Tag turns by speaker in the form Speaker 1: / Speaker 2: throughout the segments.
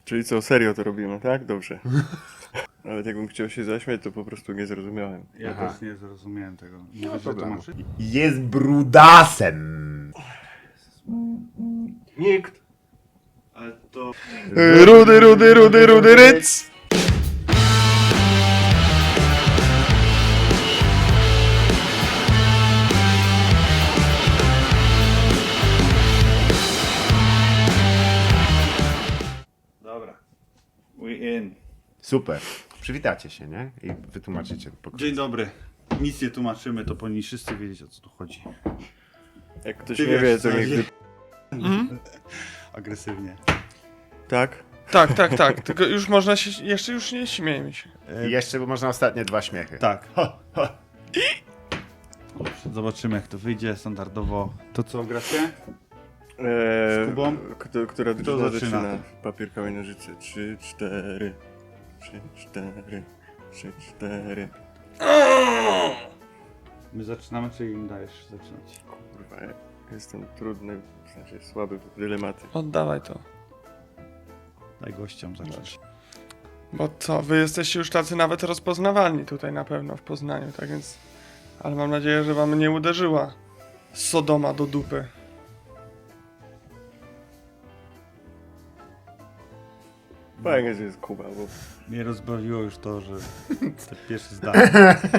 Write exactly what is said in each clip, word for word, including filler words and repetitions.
Speaker 1: Czyli co, serio to robimy, tak? Dobrze. Nawet jakbym chciał się zaśmiać, to po prostu nie zrozumiałem.
Speaker 2: Ja
Speaker 3: Aha.
Speaker 2: też nie zrozumiałem tego. Nie
Speaker 3: Nie ma
Speaker 2: wiesz, że
Speaker 3: problemu.
Speaker 2: tłumaczyć?
Speaker 3: Jest brudasem.
Speaker 1: Nikt.
Speaker 2: Ale to...
Speaker 1: Rudy, rudy, rudy, rudy, ryc!
Speaker 2: Dobra. We in.
Speaker 3: Super. Przywitacie się, nie? I wytłumaczycie. po
Speaker 2: Dzień dobry. Nic nie tłumaczymy, to powinni wszyscy wiedzieć, o co tu chodzi.
Speaker 1: Jak ktoś
Speaker 2: Ty
Speaker 1: nie
Speaker 2: wiesz,
Speaker 1: wie,
Speaker 2: co
Speaker 1: to niech...
Speaker 2: chodzi.
Speaker 1: wy-
Speaker 2: Agresywnie.
Speaker 1: Tak?
Speaker 4: Tak, tak, tak. Tylko już można się. Jeszcze już nie śmiejmy się.
Speaker 3: I jeszcze można ostatnie dwa śmiechy.
Speaker 2: Tak.
Speaker 3: Ho, ho.
Speaker 2: Zobaczymy, jak to wyjdzie standardowo. To co, gracie?
Speaker 1: Eee,
Speaker 2: Z Kubą?
Speaker 1: Kto, która
Speaker 2: Kto
Speaker 1: drużyna
Speaker 2: zaczyna?
Speaker 1: zaczyna? Papier, kamień, nożyce. Trzy, cztery. Trzy, cztery. Trzy, cztery.
Speaker 2: My zaczynamy, czy im dajesz zaczynać?
Speaker 1: Kurwa, ja jestem trudny, w sensie słaby w dylematy.
Speaker 4: Oddawaj to.
Speaker 2: Daj gościom zacząć.
Speaker 4: Bo co, wy jesteście już tacy nawet rozpoznawalni tutaj na pewno w Poznaniu, tak więc. Ale mam nadzieję, że wam nie uderzyła Sodoma do dupy.
Speaker 1: Fajnie, że jest Kuba, bo
Speaker 2: Mnie rozbawiło już to, że te pierwsze zdanie.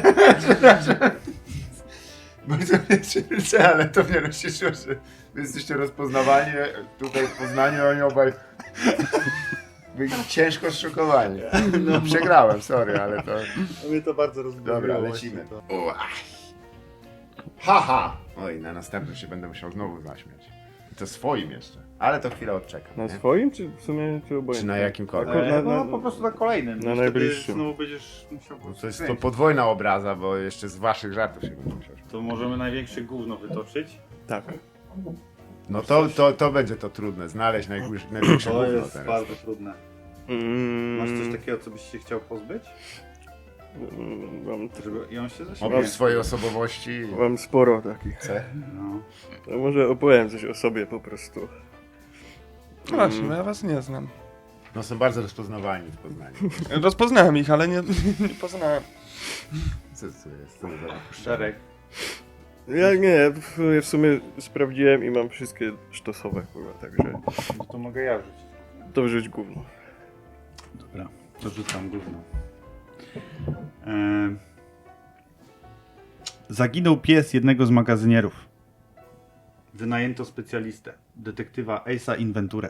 Speaker 3: Bardzo mnie cieszy, ale to mnie rozcieszyło, że wy jesteście rozpoznawani tutaj w Poznaniu, oni obaj byli ciężko zszokowani. No, przegrałem, sorry, ale to...
Speaker 2: Mnie to bardzo rozbawiło.
Speaker 3: Dobra, lecimy. Ua. Haha! Oj, na następnym się będę musiał znowu zaśmiać. I to swoim jeszcze. Ale to chwilę odczekam.
Speaker 1: na
Speaker 3: nie?
Speaker 1: swoim, czy w sumie, czy obojętnie?
Speaker 3: Czy na jakimkolwiek?
Speaker 1: Akurat
Speaker 2: E,
Speaker 1: na-
Speaker 2: no
Speaker 1: na-
Speaker 2: po prostu na kolejnym.
Speaker 1: na
Speaker 2: I wtedy
Speaker 1: najbliższym.
Speaker 2: Znowu będziesz musiał...
Speaker 3: No to jest to podwójna obraza, bo jeszcze z waszych żartów się będę musiał śmiać.
Speaker 2: To możemy największe gówno wytoczyć.
Speaker 1: Tak.
Speaker 3: No to, to, to będzie to trudne, znaleźć najgłębsze największe
Speaker 2: To
Speaker 3: gówno
Speaker 2: jest
Speaker 3: teraz.
Speaker 2: bardzo trudne.
Speaker 1: Mm,
Speaker 2: Masz coś takiego, co byś się chciał pozbyć?
Speaker 1: mm, Mam,
Speaker 2: Żeby... I on się zaśmieje.
Speaker 3: Oprócz swojej osobowości...
Speaker 1: mam sporo takich.
Speaker 3: C.
Speaker 2: No.
Speaker 1: To może opowiem coś o sobie po prostu.
Speaker 4: No właśnie, bo ja was nie znam.
Speaker 3: No są bardzo rozpoznawalni w Poznaniu.
Speaker 4: Rozpoznałem ich, ale nie, nie poznałem.
Speaker 3: Co to jest? Co to za...
Speaker 2: Szereg.
Speaker 1: Ja nie, w sumie, w sumie sprawdziłem i mam wszystkie sztosowe, kurwa, także
Speaker 2: No to mogę ja rzucić.
Speaker 1: to wrzuć gówno.
Speaker 2: Dobra, to rzucam gówno. Eee... Zaginął pies jednego z magazynierów. Wynajęto specjalistę, detektywa Ace'a Inventurę.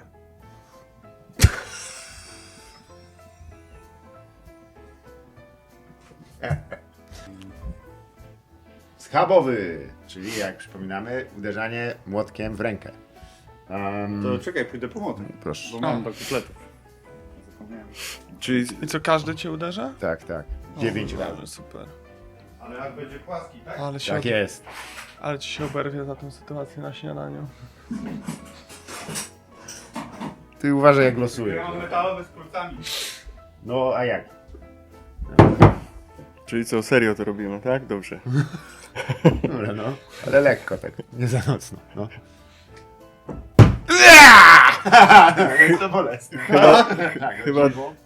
Speaker 3: Schabowy, czyli jak przypominamy, uderzanie młotkiem w rękę. Um,
Speaker 2: To czekaj, pójdę po młotek,
Speaker 3: proszę.
Speaker 2: bo mam do kupletów. Zapomniałem.
Speaker 1: Czyli
Speaker 4: I co, każdy cię uderza?
Speaker 3: Tak, tak. Dziewięć
Speaker 4: O,
Speaker 3: razy.
Speaker 4: Super.
Speaker 2: Ale jak będzie płaski, tak?
Speaker 4: Ale, się
Speaker 3: Tak jest.
Speaker 4: ale ci się oberwie za tą sytuację na śniadaniu.
Speaker 3: Ty uważaj jak losujesz.
Speaker 2: Ja mam metalowe z kurcami.
Speaker 3: No a jak?
Speaker 1: Czyli co, serio to robimy, tak? Dobrze.
Speaker 3: Dobra, no. Ale lekko tak, nie za mocno. No. Jak to bolesne.
Speaker 1: Chyba,
Speaker 3: Tak,
Speaker 1: chyba,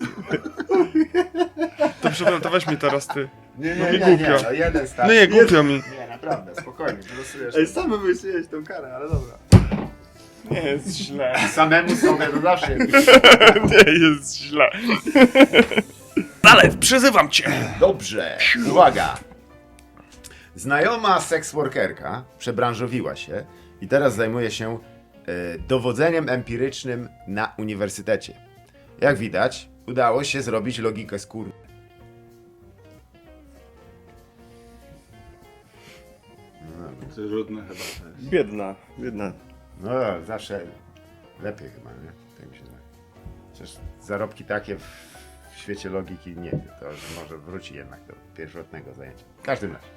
Speaker 4: To przepraszam, to weź mi teraz ty.
Speaker 3: Nie,
Speaker 4: No
Speaker 3: nie,
Speaker 4: mi
Speaker 3: nie, nie,
Speaker 4: głupio.
Speaker 3: no jeden start.
Speaker 4: No nie, głupio mi.
Speaker 3: Nie, naprawdę, spokojnie, wylosujesz.
Speaker 2: Ej, sam wymyśliłeś tą karę, ale dobra.
Speaker 4: Nie jest źle.
Speaker 3: Samemu sobie to zawsze jest.
Speaker 4: Nie jest źle. Ale przyzywam cię.
Speaker 3: Dobrze, uwaga. Znajoma seksworkerka przebranżowiła się i teraz zajmuje się e, dowodzeniem empirycznym na uniwersytecie. Jak widać, udało się zrobić logikę z kur...
Speaker 2: Trudne chyba też.
Speaker 1: biedna, biedna.
Speaker 3: No, zawsze lepiej chyba, nie? Tak mi się zdaje. Chociaż zarobki takie w, w świecie logiki nie wiem, to że może wróci jednak do pierwotnego zajęcia. W każdym razie.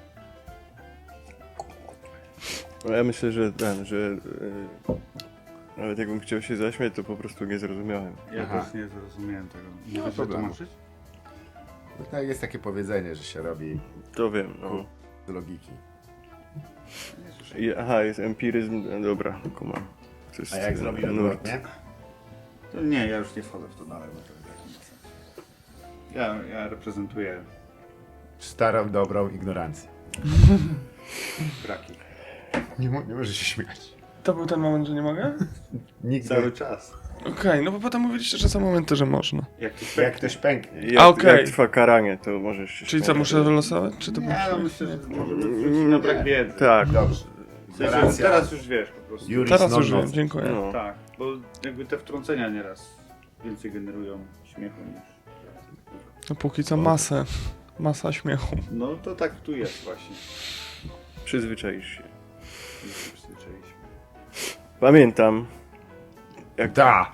Speaker 1: No ja myślę, że ten, że yy, nawet jakbym chciał się zaśmiać, to po prostu nie zrozumiałem.
Speaker 2: Ja
Speaker 3: Aha.
Speaker 2: też nie zrozumiałem tego. Nie
Speaker 3: Nie ma
Speaker 2: wiesz, że
Speaker 3: problemu.
Speaker 2: tłumaczyć?
Speaker 3: No, tak jest takie powiedzenie, że się robi
Speaker 1: To wiem, no.
Speaker 3: z logiki.
Speaker 2: Nie słyszałem.
Speaker 1: I, aha, jest empiryzm, no dobra, kumam. To jest,
Speaker 3: A jak
Speaker 1: e,
Speaker 3: zrobić
Speaker 1: nurt.
Speaker 3: odwrotnie?
Speaker 1: To
Speaker 2: Nie, ja już nie wchodzę w to dalej, bo to jest nie ma sensu. Ja, ja reprezentuję
Speaker 3: Starą, dobrą ignorancję.
Speaker 2: braki.
Speaker 3: Nie, mo- nie możesz się śmiać.
Speaker 4: To był ten moment, że nie mogę?
Speaker 3: Nigdy.
Speaker 2: Cały czas.
Speaker 4: Okej, no bo potem mówiliście, że są momenty, że można.
Speaker 2: Jak to
Speaker 3: Jak ktoś pęknie.
Speaker 1: Jak,
Speaker 4: A, okej.
Speaker 1: jak trwa karanie, to możesz się
Speaker 4: Czyli co,
Speaker 1: śmiać.
Speaker 4: muszę wylosować? Czy to
Speaker 2: Nie,
Speaker 4: muszę?
Speaker 2: no myślę, że możemy wrócić na brak wiedzy.
Speaker 1: Tak.
Speaker 3: Dobrze.
Speaker 2: W sensie,
Speaker 3: Ignorancja.
Speaker 2: teraz już wiesz po prostu.
Speaker 3: Juris
Speaker 4: Teraz
Speaker 3: non
Speaker 4: już wiem,
Speaker 3: nocet.
Speaker 4: dziękuję.
Speaker 1: No.
Speaker 2: Tak, bo jakby te wtrącenia nieraz więcej generują śmiechu niż...
Speaker 4: No póki co masę. Masa śmiechu.
Speaker 2: No to tak tu jest właśnie.
Speaker 1: Przyzwyczaisz się.
Speaker 2: Już się przyzwyczailiśmy.
Speaker 1: Pamiętam, jak,
Speaker 3: Da!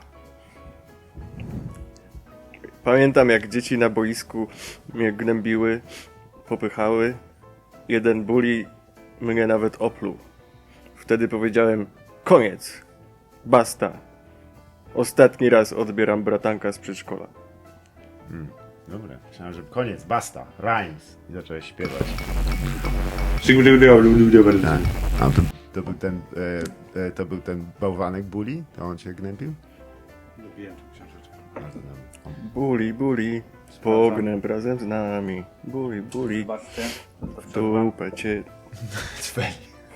Speaker 1: pamiętam jak dzieci na boisku mnie gnębiły, popychały. Jeden bully mnie nawet opluł. Wtedy powiedziałem, koniec, basta. Ostatni raz odbieram bratanka z przedszkola.
Speaker 3: Dobra, myślałem, że koniec, basta, rhymes. I zacząłeś śpiewać. Tak. A to, to był ten, e, e, to był ten bałwanek bully? To on cię gnębił?
Speaker 2: Lubiłem tę książeczkę.
Speaker 3: A, to tam-
Speaker 1: Bully, bully, pognęb razem z nami. Bully, bully,
Speaker 2: Zobaczcie.
Speaker 1: w dupę cię.
Speaker 3: Cweli.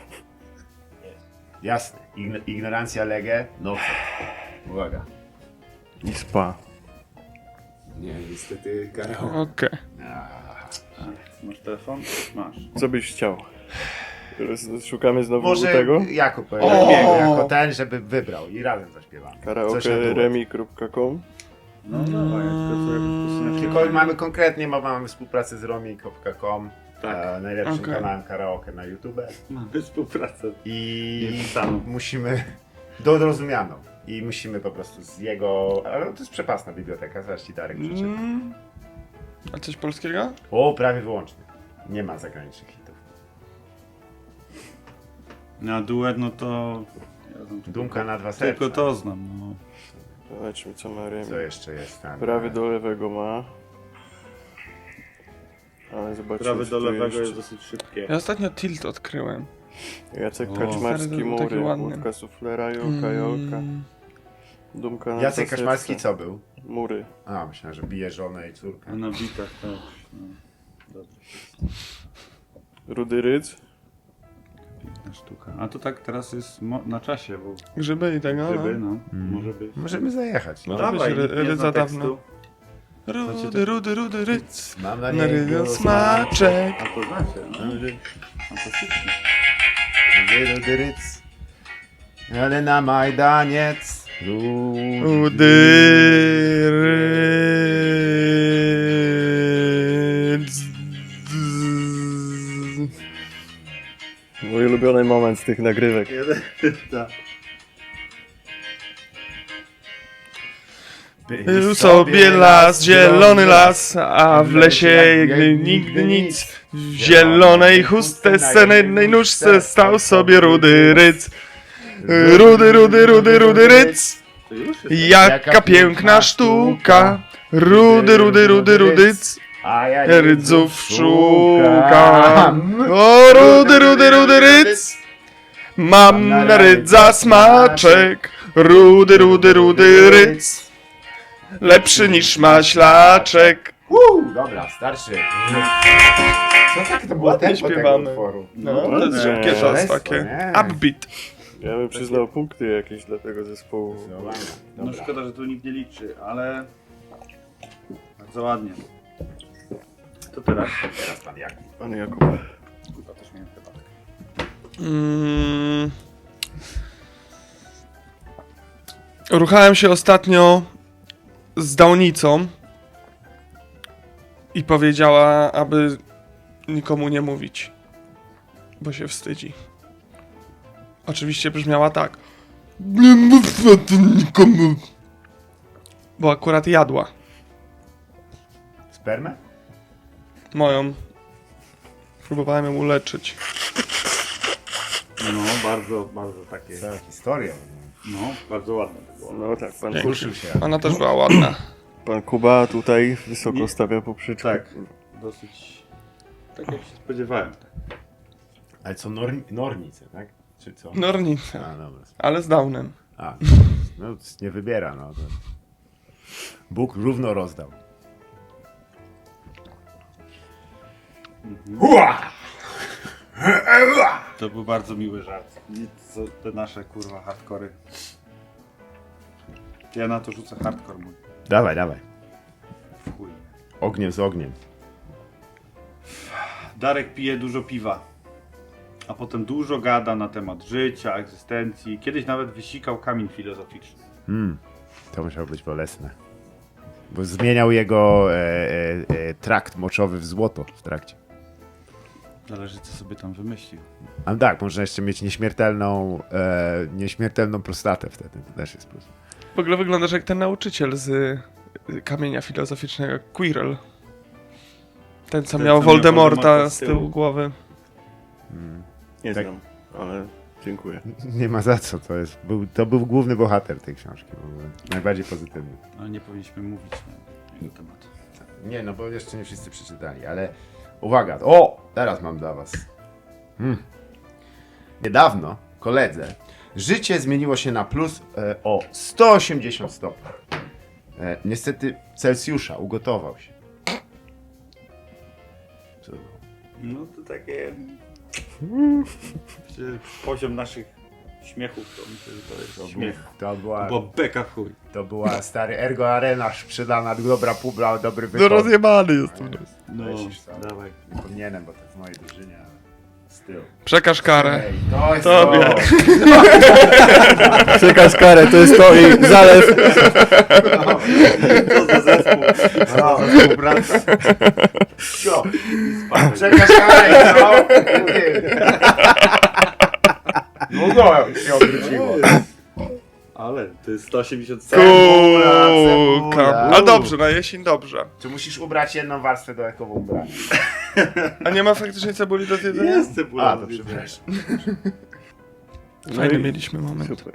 Speaker 3: Jasne. Ign- ignorancja lege, no co? Uwaga.
Speaker 1: I spa.
Speaker 3: Nie, niestety karaoke.
Speaker 4: Okej.
Speaker 2: Masz telefon? Masz.
Speaker 1: Co byś chciał? Roz- Szukamy znowu
Speaker 3: Może
Speaker 1: tego?
Speaker 3: Jakub
Speaker 4: O!
Speaker 3: Remiego jako ten, żeby wybrał i razem zaśpiewamy. Coś na
Speaker 1: Karaoke
Speaker 3: duet.
Speaker 1: remi kropka com.
Speaker 2: No dawaj, to co jakoś posunę.
Speaker 3: Tylko mamy konkretnie, bo mamy współpracę z romi kropka com,
Speaker 2: Tak.
Speaker 3: e, najlepszym
Speaker 4: Okej.
Speaker 3: kanałem karaoke na YouTube.
Speaker 2: Mamy współpracę.
Speaker 3: I
Speaker 2: Niepisaną.
Speaker 3: musimy, dorozumianą. I musimy po prostu z jego, ale to jest przepasna biblioteka, zaraz ci Darek przeczyta.
Speaker 4: Mm. A coś polskiego?
Speaker 3: O, prawie wyłącznie. Nie ma zagranicznych hitów.
Speaker 2: Na duet, no to... Ja znam tylko-
Speaker 3: Dumka na dwa serca.
Speaker 2: Tylko to znam, no.
Speaker 1: Zobaczmy co ma remi.
Speaker 3: Co jeszcze jest tam?
Speaker 1: Prawy do lewego ma. Ale zobaczmy
Speaker 2: Prawy
Speaker 1: co
Speaker 2: do
Speaker 1: tu
Speaker 2: lewego
Speaker 1: jeszcze.
Speaker 2: jest dosyć szybkie.
Speaker 4: Ja ostatnio Tilt odkryłem.
Speaker 1: Jacek
Speaker 2: O.
Speaker 1: Kaczmarski,
Speaker 4: Stary, to był
Speaker 1: Mury,
Speaker 4: taki ładny.
Speaker 1: Łódka Suflera, Jolka, Jolka.
Speaker 4: Mm.
Speaker 1: Dumka na
Speaker 3: Jacek
Speaker 1: dwa
Speaker 3: Kaczmarski
Speaker 1: serca.
Speaker 3: co był?
Speaker 1: Mury.
Speaker 3: A, myślałem, że bije żonę i córkę.
Speaker 2: A na bitach też. No. Dobrze.
Speaker 1: Rudy Rydz.
Speaker 2: Piękna sztuka. A to tak teraz jest mo- na czasie, bo
Speaker 4: Grzyby i tego,
Speaker 2: gdyby,
Speaker 4: no.
Speaker 2: no,
Speaker 3: Mm.
Speaker 2: może być.
Speaker 3: Możemy zajechać.
Speaker 2: No
Speaker 3: No.
Speaker 4: Dawaj,
Speaker 2: dawaj,
Speaker 4: ry-
Speaker 2: nikt nie
Speaker 4: rydza
Speaker 2: zna
Speaker 4: dawno.
Speaker 2: tekstu.
Speaker 4: Rudy, rudy, rudy, ryc.
Speaker 3: Mam na
Speaker 4: Na
Speaker 3: niego
Speaker 4: ryjo smaczek.
Speaker 2: A to znacie, no. Fantastycznie.
Speaker 3: Rudy ryc. Ale na Majdaniec. Rudy
Speaker 4: Rudy, ryc.
Speaker 1: Mój ulubiony moment z tych nagrywek.
Speaker 2: Jeden, tak.
Speaker 4: Był sobie las, zielony las, a w lesie jakby nigdy nic. W zielonej chustce, na jednej nóżce stał sobie rudy ryc. Rudy, rudy, rudy, rudy ryc.
Speaker 2: To już jest.
Speaker 4: Jaka piękna sztuka. Rudy, rudy, rudy, rudyc.
Speaker 3: A ja
Speaker 4: Rydzów szukam. O, rudy, rudy, rudy, ryc. Mam na rydza smaczek. Rudy, rudy, rudy, ryc. Lepszy niż maślaczek.
Speaker 3: Uuu, dobra, starszy. Co tak to było
Speaker 4: Ładnie
Speaker 3: tempo tego
Speaker 4: śpiewamy.
Speaker 3: utworu?
Speaker 4: No, to jest szybkie czas
Speaker 3: Szaleństwo,
Speaker 4: takie.
Speaker 3: nie?
Speaker 4: Upbeat.
Speaker 1: Ja bym przyznał punkty jakieś dla tego zespołu.
Speaker 3: Zdecydowanie.
Speaker 2: No
Speaker 3: Dobra.
Speaker 2: szkoda, że tu nikt nie liczy, ale bardzo ładnie. To teraz?
Speaker 3: Teraz pan Jakub.
Speaker 1: Pan Jakub.
Speaker 2: Chyba też miałem chyba.
Speaker 4: Mm. Ruchałem się ostatnio z Dałnicą i powiedziała, aby nikomu nie mówić, bo się wstydzi. Oczywiście brzmiała tak. Nie mów o tym nikomu. Bo akurat jadła
Speaker 3: Spermę?
Speaker 4: moją. Próbowałem ją uleczyć.
Speaker 2: No, bardzo, bardzo takie.
Speaker 3: Cała historia.
Speaker 2: No, bardzo ładne to było.
Speaker 1: No tak, pan,
Speaker 4: Dzięki.
Speaker 3: Ruszył się.
Speaker 4: Ona też była ładna.
Speaker 1: pan Kuba tutaj wysoko
Speaker 2: Nie.
Speaker 1: stawia poprzeczkę.
Speaker 2: Tak, dosyć. Tak jak się spodziewałem.
Speaker 3: Ale co, nor Nornice, tak? Czy co?
Speaker 4: Nornica,
Speaker 3: A, dobra.
Speaker 4: ale z Downem.
Speaker 3: A, no nie wybiera, no. To Bóg równo rozdał. Hua!
Speaker 2: To był bardzo miły żart. Nic, co te nasze kurwa hardkory. Ja na to rzucę hardcore mój.
Speaker 3: Dawaj, dawaj.
Speaker 2: W chuj.
Speaker 3: Ogniem z ogniem.
Speaker 2: Darek pije dużo piwa, a potem dużo gada na temat życia, egzystencji. Kiedyś nawet wysikał kamień filozoficzny.
Speaker 3: Hmm. To musiało być bolesne. Bo zmieniał jego e, e, e, trakt moczowy w złoto w trakcie.
Speaker 2: Zależy, co sobie tam wymyślił.
Speaker 3: A tak, można jeszcze mieć nieśmiertelną, e, nieśmiertelną prostatę wtedy. To też jest plus.
Speaker 4: W ogóle wyglądasz jak ten nauczyciel z y, kamienia filozoficznego, Quirrell. Ten, co
Speaker 2: Ten,
Speaker 4: miał
Speaker 2: co miał
Speaker 4: Voldemorta
Speaker 2: Voldemorta
Speaker 4: z
Speaker 2: z
Speaker 4: tyłu
Speaker 2: tyłu.
Speaker 4: głowy.
Speaker 1: Nie
Speaker 3: Tak.
Speaker 1: znam, ale dziękuję.
Speaker 3: Nie ma za co, to jest. Był, to był główny bohater tej książki. W ogóle. Najbardziej pozytywny.
Speaker 2: Ale nie powinniśmy mówić na jego temat.
Speaker 3: Nie, no bo jeszcze nie wszyscy przeczytali, ale uwaga, o! Teraz mam dla was. Hmm. Niedawno, koledze, życie zmieniło się na plus e, o sto osiemdziesiąt stopni. E, niestety Celsjusza ugotował się. Co to było?
Speaker 2: No to takie... Poziom naszych śmiechów to myślę, że to jest śmiech.
Speaker 3: To była,
Speaker 2: Bo beka w chuj.
Speaker 3: to była stary Ergo Arena sprzedana, dobra publa, dobry
Speaker 4: No
Speaker 3: wykon.
Speaker 4: rozjebany jestem.
Speaker 2: No,
Speaker 3: Lecisz sam.
Speaker 2: dawaj.
Speaker 3: Nie powinienem, bo to w mojej drużynie, ale z tyłu.
Speaker 4: Przekaż karę.
Speaker 3: Ej, to jest
Speaker 4: Tobie.
Speaker 3: to!
Speaker 1: Przekaz karę, to jest to i zalew.
Speaker 2: Co za zespół.
Speaker 3: No,
Speaker 2: Współpraca.
Speaker 3: Sio. Przekaż karę, no! Długo się obróciło.
Speaker 2: Ale to jest sto osiemdziesiąt
Speaker 3: Cebula,
Speaker 4: Kuka.
Speaker 3: cebula.
Speaker 4: A dobrze, na jesień dobrze.
Speaker 3: Czy musisz ubrać jedną warstwę dodatkową ubrania?
Speaker 4: A nie ma faktycznie cebuli do jedzenia?
Speaker 2: Jest cebula.
Speaker 3: A, to przepraszam.
Speaker 4: Fajny mieliśmy moment.
Speaker 1: Super.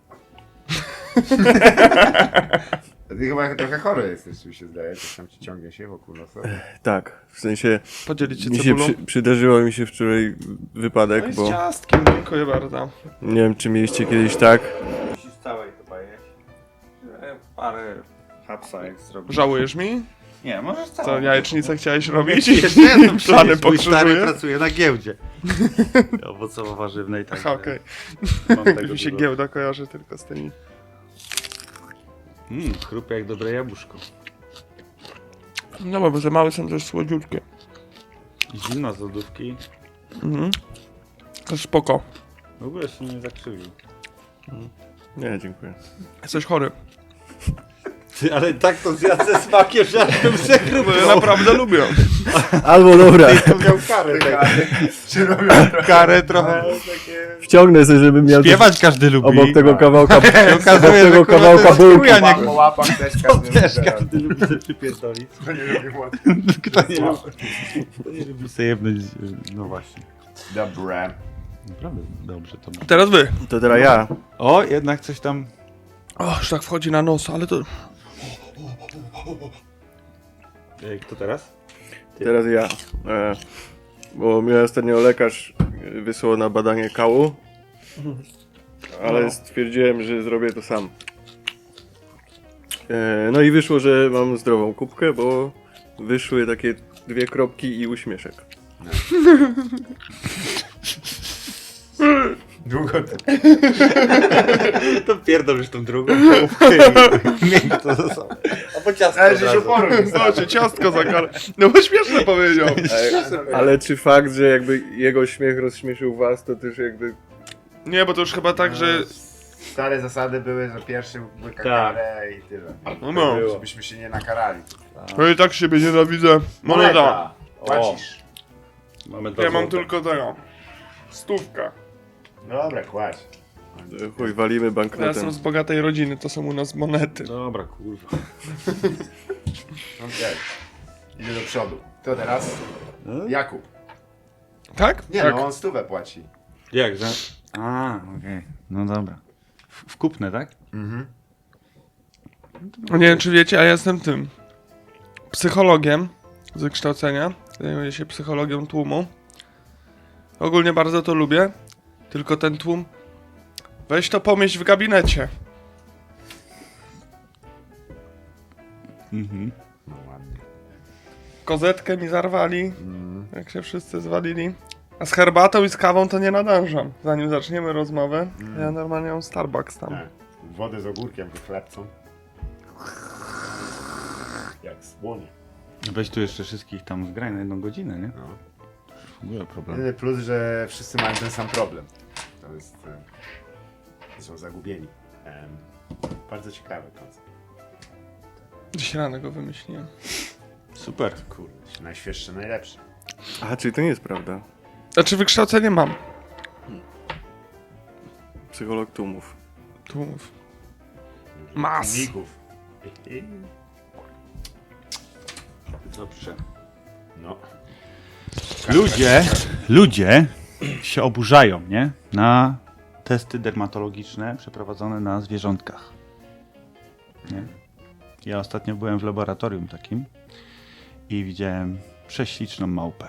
Speaker 3: Ty chyba trochę chory jesteś, mi się zdaje, coś tam ci ciągnie się wokół nosa.
Speaker 1: Tak, w sensie
Speaker 4: Podzielić się
Speaker 1: mi się
Speaker 4: cebulą?
Speaker 1: przy, przydarzyło mi się wczoraj wypadek,
Speaker 4: No i z
Speaker 1: bo
Speaker 4: ciastkiem, dziękuję bardzo.
Speaker 1: nie wiem czy mieliście kiedyś tak.
Speaker 2: Musisz całej chyba jeść. Parę hapsa jak zrobisz.
Speaker 4: Żałujesz mi?
Speaker 2: Nie, możesz całą.
Speaker 4: Co, jajecznicę chciałeś robić?
Speaker 2: Jeszcze jedno
Speaker 4: Plany
Speaker 2: Mój stary
Speaker 4: pokrzyżuje?
Speaker 2: pracuje na giełdzie. Owocowo-warzywnej, tak.
Speaker 4: Aha, okej.
Speaker 2: Mam tego
Speaker 4: Mi się
Speaker 2: dużo.
Speaker 4: giełda kojarzy tylko z tymi.
Speaker 2: Mmm, chrupie jak dobre jabłuszko.
Speaker 4: No bo za małe są też słodziutkie.
Speaker 2: Zimno z lodówki.
Speaker 4: Mhm. To spoko.
Speaker 2: W ogóle się nie zakrzywił.
Speaker 1: Nie, dziękuję.
Speaker 4: Jesteś chory.
Speaker 2: Ty, ale tak to zjadł ze smakiem, że aż bym
Speaker 4: Bo
Speaker 2: przekrupał.
Speaker 4: ja naprawdę lubię.
Speaker 1: Albo dobra,
Speaker 2: To miał karę, tak.
Speaker 3: Czy robią
Speaker 2: Karę trochę.
Speaker 1: wciągnę sobie, żebym miał coś
Speaker 2: Śpiewać każdy lubi.
Speaker 1: obok tego kawałka, obok
Speaker 2: okazuje, że
Speaker 1: tego
Speaker 2: kurwa
Speaker 1: kawałka
Speaker 2: to jest
Speaker 1: bułki.
Speaker 2: chuja, nie-
Speaker 3: po łapach też każdy
Speaker 2: Też
Speaker 3: lubi.
Speaker 2: każdy lubi sobie przypierdolić.
Speaker 3: To nie lubi łapać.
Speaker 2: Kto nie lubi, kto nie lubi sobie jebnąć, no właśnie.
Speaker 3: Dobra.
Speaker 2: Naprawdę dobrze to ma.
Speaker 4: Teraz wy.
Speaker 1: To teraz ja.
Speaker 2: O, jednak coś tam...
Speaker 4: O, już tak wchodzi na nos, ale to...
Speaker 2: Ej, kto teraz?
Speaker 1: Teraz ja. E, bo mnie ostatnio lekarz wysłał na badanie kału, ale
Speaker 4: No.
Speaker 1: stwierdziłem, że zrobię to sam. E, no i wyszło, że mam zdrową kubkę, bo wyszły takie dwie kropki i uśmieszek.
Speaker 3: Długo to.
Speaker 2: To pierdolisz tą drugą połówkę i miej to ze sobą. A po ciastko
Speaker 3: Ale
Speaker 2: od
Speaker 3: że się
Speaker 2: razu.
Speaker 3: uporą nie
Speaker 4: No, cię ciastko za karę. No bo śmieszne powiedział.
Speaker 1: E, ale czy fakt, że jakby jego śmiech rozśmieszył was, to też jakby...
Speaker 4: Nie, bo to już chyba tak, że...
Speaker 3: Stare zasady były, że pierwszy łyka
Speaker 2: Tak.
Speaker 3: karę i tyle.
Speaker 4: No, no.
Speaker 3: Żebyśmy się nie nakarali.
Speaker 4: No i tak siebie nienawidzę. Moneta.
Speaker 3: Płacisz.
Speaker 2: Mamy
Speaker 4: Ja mam tylko tego. Stówka.
Speaker 3: Dobra, kładź.
Speaker 1: e, Chuj, walimy
Speaker 4: Ja
Speaker 1: banknotem.
Speaker 4: jestem z bogatej rodziny, to są u nas monety.
Speaker 2: Dobra, kurwa.
Speaker 3: Okej. Idzie do przodu. To teraz Jakub.
Speaker 4: Tak?
Speaker 3: Nie
Speaker 4: tak.
Speaker 3: no, on stówę płaci.
Speaker 2: Jak, że? A, okej. No dobra. W, w kupne, tak?
Speaker 4: No nie wiem, czy wiecie, a ja jestem tym psychologiem z wykształcenia. Zajmuję się psychologią tłumu. Ogólnie bardzo to lubię. Tylko ten tłum... Weź to pomieść w gabinecie. Mhm.
Speaker 3: No ładnie.
Speaker 4: Kozetkę mi zarwali,
Speaker 3: Mm.
Speaker 4: jak się wszyscy zwalili. A z herbatą i z kawą to nie nadążam. Zanim zaczniemy rozmowę,
Speaker 3: Mm.
Speaker 4: ja normalnie mam Starbucks tam.
Speaker 3: Tak. Wodę z ogórkiem i chlebcą. Jak słonie.
Speaker 2: Weź tu jeszcze wszystkich tam zgraj na jedną godzinę, nie?
Speaker 3: No.
Speaker 2: W ogóle problem.
Speaker 3: Jedyny plus, że wszyscy mają ten sam problem. To jest... e, Są zagubieni. Em, bardzo ciekawy koncept.
Speaker 4: Dziś rano go wymyśliłem.
Speaker 2: Super.
Speaker 3: Kurde, najświeższe, najlepsze.
Speaker 1: A, czyli to nie jest prawda.
Speaker 4: Znaczy wykształcenie mam.
Speaker 1: Psycholog tłumów.
Speaker 4: Tłumów. Mas.
Speaker 3: Ników.
Speaker 2: Dobrze.
Speaker 3: No.
Speaker 2: Ludzie, ludzie się oburzają, nie? Na testy dermatologiczne przeprowadzone na zwierzątkach. Nie? Ja ostatnio byłem w laboratorium takim i widziałem prześliczną małpę.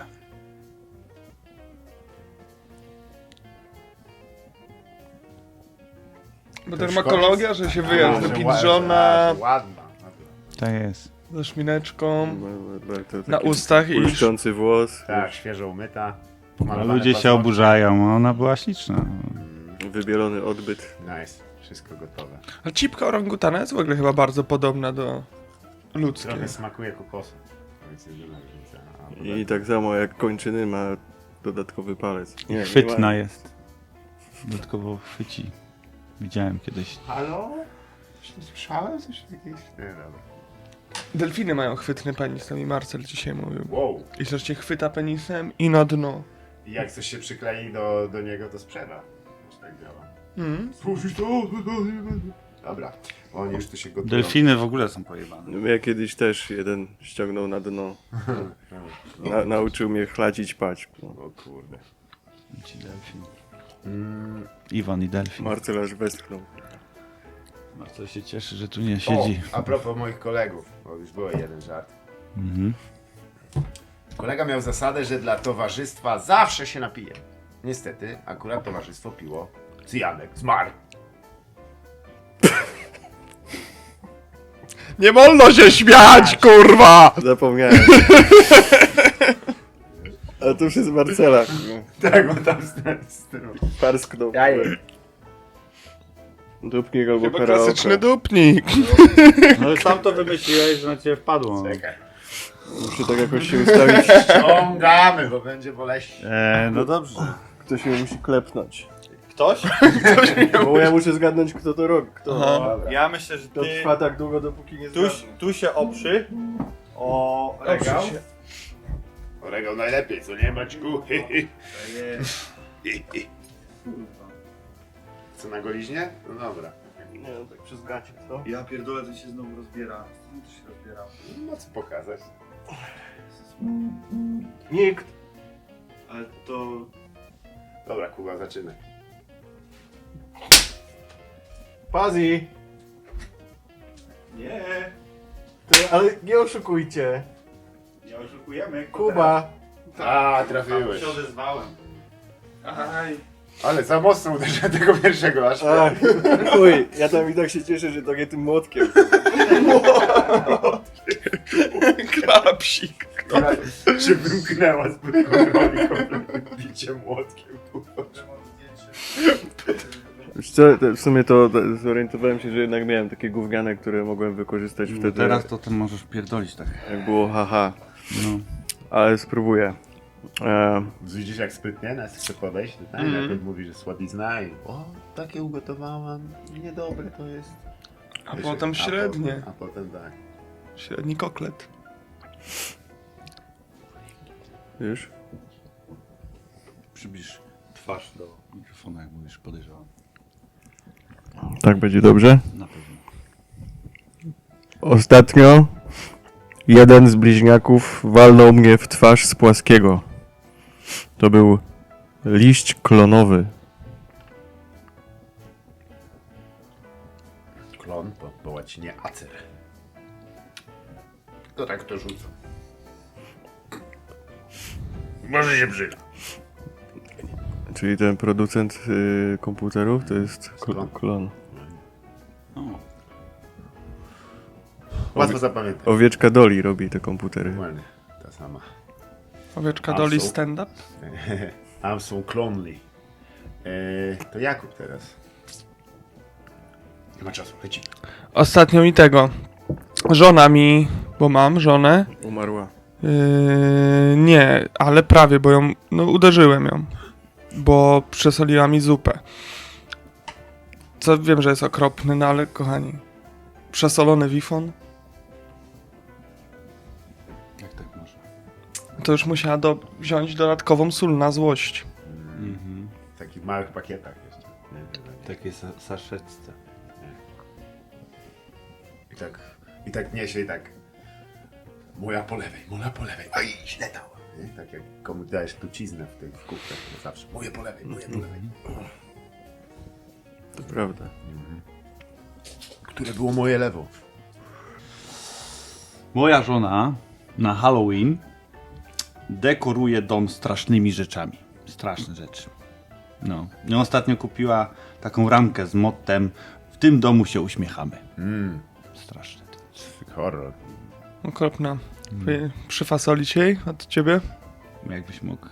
Speaker 4: Bo dermatologia, że się wyjazd
Speaker 3: A,
Speaker 4: do
Speaker 3: że
Speaker 4: pidżona,
Speaker 3: ła- że Ładna.
Speaker 2: Tak jest.
Speaker 4: ze szmineczką,
Speaker 1: To
Speaker 4: na
Speaker 1: taki
Speaker 4: ustach i...
Speaker 1: błyszczący włos,
Speaker 3: Tak, świeżo umyta.
Speaker 2: A
Speaker 3: pomalowane
Speaker 2: ludzie się
Speaker 3: paznokcie.
Speaker 2: oburzają, a ona była śliczna.
Speaker 1: wybielony odbyt.
Speaker 3: Nice. Wszystko gotowe.
Speaker 4: A cipka orangutana jest w ogóle chyba bardzo podobna do ludzkiej.
Speaker 3: Trochę smakuje kokosem. To jest jedyna różnica. A poza
Speaker 1: I
Speaker 3: tym-
Speaker 1: tak samo jak kończyny ma dodatkowy palec. Nie, nie
Speaker 2: Chwytna
Speaker 1: ma.
Speaker 2: jest. Dodatkowo chwyci. Widziałem kiedyś.
Speaker 3: Halo? Coś nie słyszałem? Coś jakieś... Nie, dobra.
Speaker 4: Delfiny mają chwytny penis, to mi Marcel dzisiaj mówił.
Speaker 3: Wow.
Speaker 4: I że cię chwyta penisem i na dno.
Speaker 3: I jak coś się przyklei do, do niego, to sprzeda. Już tak działa.
Speaker 4: Mm.
Speaker 3: Słyszysz to? Dobra. Oni już tu się gotują.
Speaker 2: Delfiny w ogóle są pojebane.
Speaker 1: Mnie kiedyś też jeden ściągnął na dno. Na, nauczył mnie chladzić pać. No.
Speaker 3: O kurde.
Speaker 2: Ci delfin.
Speaker 3: Mm.
Speaker 2: Iwan i delfin.
Speaker 1: Marcel aż westchnął.
Speaker 2: Marcel się cieszy, że tu nie siedzi.
Speaker 3: O, a propos moich kolegów, bo już był jeden żart.
Speaker 2: Mhm.
Speaker 3: Kolega miał zasadę, że dla towarzystwa zawsze się napije. Niestety, akurat towarzystwo piło cyjanek. Zmarł.
Speaker 4: Nie wolno się śmiać, kurwa!
Speaker 1: Zapomniałem. A to już jest Marcela.
Speaker 3: Tak, bo tam z, z tym.
Speaker 1: Parsknął. Dupnik albo
Speaker 4: Chyba
Speaker 1: karaoke.
Speaker 4: klasyczny dupnik.
Speaker 2: No ale sam to wymyśliłeś, że na ciebie wpadło.
Speaker 3: Czekaj.
Speaker 1: Muszę tak jakoś się ustawić.
Speaker 3: Ciągamy, bo będzie boleśnie.
Speaker 2: Eee, no dobrze.
Speaker 1: Ktoś mnie musi klepnąć.
Speaker 2: Ktoś?
Speaker 1: Bo ja muszę zgadnąć, kto to robi. Kto
Speaker 3: Dobra.
Speaker 2: Ja myślę, że
Speaker 1: to
Speaker 2: ty
Speaker 1: trwa tak długo, dopóki nie
Speaker 2: tu,
Speaker 1: zgadnę.
Speaker 2: tu się oprzy o regał.
Speaker 4: się.
Speaker 3: Regał najlepiej, co nie Maćku? Co na goliźnie? No dobra.
Speaker 1: Nie no, tak przez gacie, co?
Speaker 2: Ja pierdolę, to się znowu rozbiera. Znowu to się rozbiera.
Speaker 3: No co pokazać?
Speaker 1: Nikt.
Speaker 2: Ale to...
Speaker 3: Dobra, Kuba, zaczynaj.
Speaker 1: Pazi.
Speaker 2: Nie,
Speaker 1: To, ale nie oszukujcie.
Speaker 2: nie oszukujemy.
Speaker 1: Kuba.
Speaker 3: A,
Speaker 2: Tam
Speaker 3: trafiłeś.
Speaker 2: się odezwałem.
Speaker 4: Aj.
Speaker 3: Ale za mocno uderzyłem tego pierwszego, aż
Speaker 1: Ach, chuj, ja tam i tak się cieszę, że to nie tym młotkiem.
Speaker 4: Klapsik.
Speaker 3: się wymknęła z kontroli kompletnym biciem młotkiem. Kuba.
Speaker 1: Wiesz co, to w sumie to to zorientowałem się, że jednak miałem takie gówniane, które mogłem wykorzystać wtedy,
Speaker 2: Teraz to ty możesz pierdolić tak.
Speaker 1: jak było haha.
Speaker 2: No.
Speaker 1: Ale spróbuję. E,
Speaker 3: Widzisz jak sprytnie nas chce podejść? To tak,
Speaker 4: Mhm.
Speaker 3: najpierw mówi, że słodizna i o, takie ugotowałam, niedobre to jest.
Speaker 4: A
Speaker 3: Wiesz,
Speaker 4: potem średnie.
Speaker 3: potem, a potem tak.
Speaker 4: Średni koklet.
Speaker 1: już?
Speaker 2: Przybliż twarz do mikrofonu, jak mówisz, podejrzewam.
Speaker 1: Tak będzie dobrze?
Speaker 2: Na pewno.
Speaker 1: Ostatnio jeden z bliźniaków walnął mnie w twarz z płaskiego. To był liść klonowy.
Speaker 3: Klon po, po łacinie acer. To tak to rzucą. Może się przyda.
Speaker 1: Czyli ten producent y, komputerów to jest kl-
Speaker 3: Klon.
Speaker 1: klon.
Speaker 2: O.
Speaker 3: Łatwo zapamiętać.
Speaker 1: Owieczka Doli robi te komputery.
Speaker 3: Dokładnie, ta sama.
Speaker 4: Owieczka
Speaker 3: A
Speaker 4: Doli
Speaker 3: są-
Speaker 4: stand-up?
Speaker 3: I'm so clonely. Eee, to Jakub teraz. Nie ma czasu, leci.
Speaker 4: Ostatnio mi tego. Żona mi, bo mam żonę.
Speaker 1: Umarła.
Speaker 4: Yy, nie, ale prawie, bo ją, no uderzyłem ją. Bo przesoliła mi zupę. Co wiem, że jest okropny, no ale kochani. Przesolony wifon,
Speaker 2: Jak tak może?
Speaker 4: to już musiała do, wziąć dodatkową sól na złość.
Speaker 2: Mhm.
Speaker 3: W takich małych pakietach jeszcze. Nie, nie, nie.
Speaker 2: Takie sa- saszetce.
Speaker 3: I tak, i tak niesie i tak. Moja po lewej, moja po lewej. Oj, źle dała. Nie? Tak jak komuś dajesz truciznę w tych kubkach, to zawsze. Moje po lewej, moje po lewej.
Speaker 1: To prawda.
Speaker 3: Które było moje lewo?
Speaker 2: Moja żona na Halloween dekoruje dom strasznymi rzeczami. Straszne rzeczy. No. I ostatnio kupiła taką ramkę z mottem "W tym domu się uśmiechamy".
Speaker 3: Mmm,
Speaker 2: Straszne to.
Speaker 3: horror.
Speaker 4: Okropna. Wy- Przyfasolić jej od ciebie?
Speaker 2: Jakbyś mógł.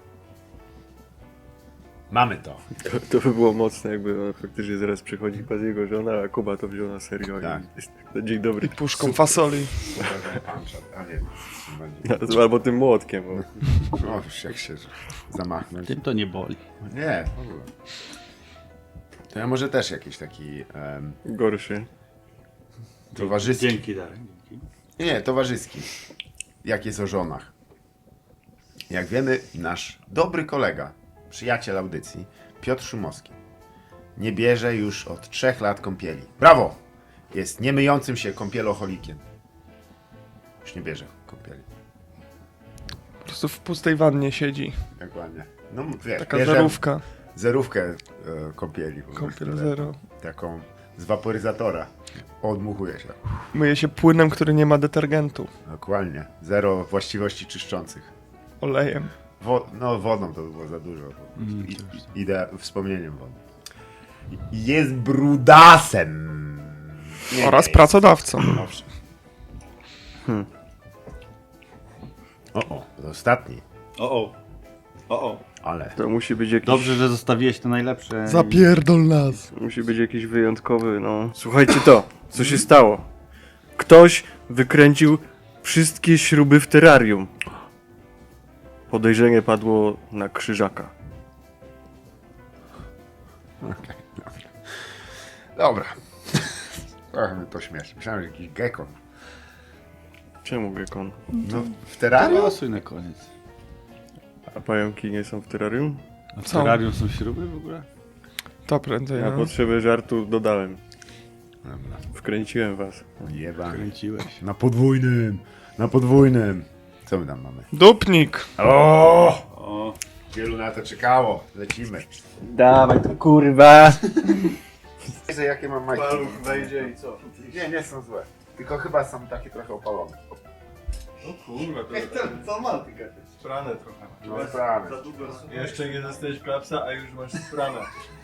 Speaker 3: Mamy to.
Speaker 1: To, to by było mocne, jakby ona faktycznie zaraz przychodzi pas jego żona, a Kuba to wziął na serio.
Speaker 3: Tak.
Speaker 1: I, dzień dobry.
Speaker 4: Puszką fasoli.
Speaker 3: A nie,
Speaker 1: Albo tym młotkiem. Bo...
Speaker 3: o, już jak się zamachnąć.
Speaker 2: Tym to nie boli.
Speaker 3: Nie, w ogóle. To ja może też jakiś taki em,
Speaker 1: Gorszy.
Speaker 3: towarzyski.
Speaker 2: Dzięki, Darek. Dzięki.
Speaker 3: Nie, towarzyski. Jak jest o żonach. Jak wiemy, nasz dobry kolega, przyjaciel audycji, Piotr Szumowski, nie bierze już od trzech lat kąpieli. Brawo! Jest niemyjącym się kąpieloholikiem. Już nie bierze kąpieli.
Speaker 4: Po prostu w pustej wannie siedzi.
Speaker 3: Dokładnie. No, wiesz,
Speaker 4: Taka
Speaker 3: bierze
Speaker 4: zerówka.
Speaker 3: zerówkę e, kąpieli. po
Speaker 4: Kąpiel
Speaker 3: prostu,
Speaker 4: zero.
Speaker 3: Taką z waporyzatora. Odmuchuje się.
Speaker 4: Myje się płynem, który nie ma detergentu.
Speaker 3: Dokładnie. Zero właściwości czyszczących.
Speaker 4: Olejem.
Speaker 3: Wo- no wodą to by było za dużo. Bo
Speaker 2: Mm,
Speaker 3: I,
Speaker 2: to już
Speaker 3: idea wspomnieniem wody. I jest brudasem. Nie,
Speaker 4: Oraz
Speaker 3: nie,
Speaker 4: pracodawcą.
Speaker 3: Owszem. O, o, to ostatni.
Speaker 2: O, o. O, o.
Speaker 3: Ale.
Speaker 1: To musi być jakiś...
Speaker 2: Dobrze, że zostawiłeś to najlepsze.
Speaker 4: Zapierdol nas.
Speaker 1: Musi być jakiś wyjątkowy, no... Słuchajcie to, co się stało? Ktoś wykręcił wszystkie śruby w terrarium. Podejrzenie padło na Krzyżaka.
Speaker 3: Okej, dobra. Dobra. Trochę mnie to śmieszy. Myślałem, że jakiś gekon.
Speaker 1: Czemu gekon?
Speaker 3: No, w terrarium?
Speaker 2: Losuj na koniec.
Speaker 1: A pająki nie są w terrarium?
Speaker 2: A w
Speaker 4: Są.
Speaker 2: terrarium są śruby w ogóle?
Speaker 4: To prędzej.
Speaker 1: Na
Speaker 4: No.
Speaker 1: potrzeby żartu dodałem.
Speaker 3: Dobra.
Speaker 1: Wkręciłem was.
Speaker 3: Jebany.
Speaker 2: Kręciłeś.
Speaker 3: Na podwójnym. Na podwójnym. Co my tam mamy?
Speaker 4: Dupnik.
Speaker 3: O!
Speaker 2: O,
Speaker 3: Wielu na to czekało. Lecimy.
Speaker 1: Dawaj to kurwa!
Speaker 3: Wiedzę, jakie mam majtki.
Speaker 1: wejdzie i co?
Speaker 3: Nie, nie są złe. Tylko chyba są takie trochę opalone.
Speaker 1: O kurwa, to
Speaker 2: co ma ty
Speaker 1: sprane trochę.
Speaker 3: No sprawy.
Speaker 1: Jeszcze nie dostałeś klapsa, a już masz sprane.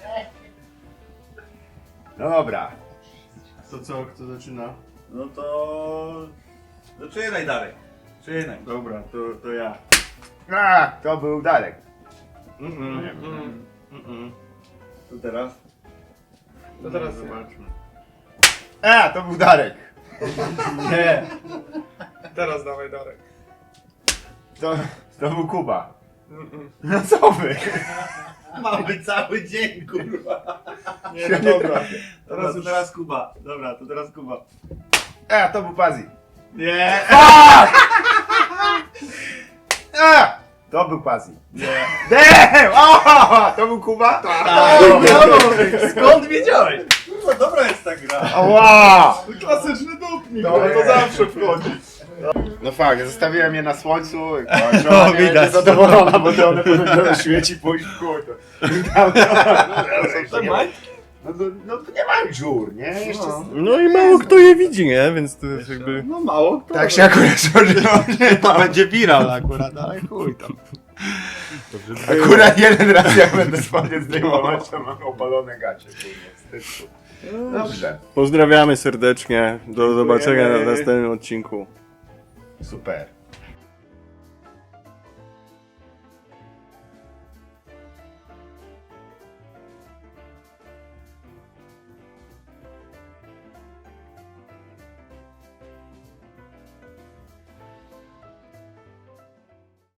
Speaker 3: No dobra.
Speaker 1: To co, kto zaczyna?
Speaker 2: No to... Zaczynaj, Darek. Zaczynaj.
Speaker 1: Dobra, to, to ja.
Speaker 3: A, to był Darek.
Speaker 1: Mm-mm,
Speaker 3: Nie wiem.
Speaker 1: mm, mm-mm.
Speaker 2: To teraz?
Speaker 1: To teraz zobaczmy.
Speaker 3: A, to był Darek.
Speaker 1: Nie!
Speaker 4: Teraz dawaj Darek.
Speaker 3: To, to był Kuba. No co wy?
Speaker 2: Mamy cały dzień, kurwa.
Speaker 1: Nie, no dobra.
Speaker 2: Teraz, już... teraz Kuba. Dobra, to teraz Kuba.
Speaker 3: A, to był Pazi.
Speaker 2: Nie.
Speaker 3: A, to był Pazi.
Speaker 2: Nie.
Speaker 3: Damn! O, to był Kuba?
Speaker 2: Tak. Skąd wiedziałeś? Kurwa, dobra jest ta gra.
Speaker 3: Ała!
Speaker 2: Klasyczny dupnik.
Speaker 3: To- to zawsze
Speaker 2: wchodzi.
Speaker 3: No fakt, zostawiłem je na słońcu.
Speaker 2: No,
Speaker 3: No,
Speaker 2: widać.
Speaker 3: widać. Zadowolona, bo to one powinny świeci pójść w chuj.
Speaker 2: To ma?
Speaker 3: No, to, no to nie mają dziur, nie? Jeszcze
Speaker 2: No.
Speaker 1: No i mało kto je widzi, nie? Więc to jest jakby...
Speaker 2: No mało kto.
Speaker 3: tak się akurat złożyło.
Speaker 2: To będzie viral akurat, ale chuj tam.
Speaker 3: Akurat jeden raz jak będę spodnie zdejmować, to mam opalone gacie. Kurwa, wstyd. Dobrze,
Speaker 1: Pozdrawiamy serdecznie. Do zobaczenia na następnym odcinku.
Speaker 3: super.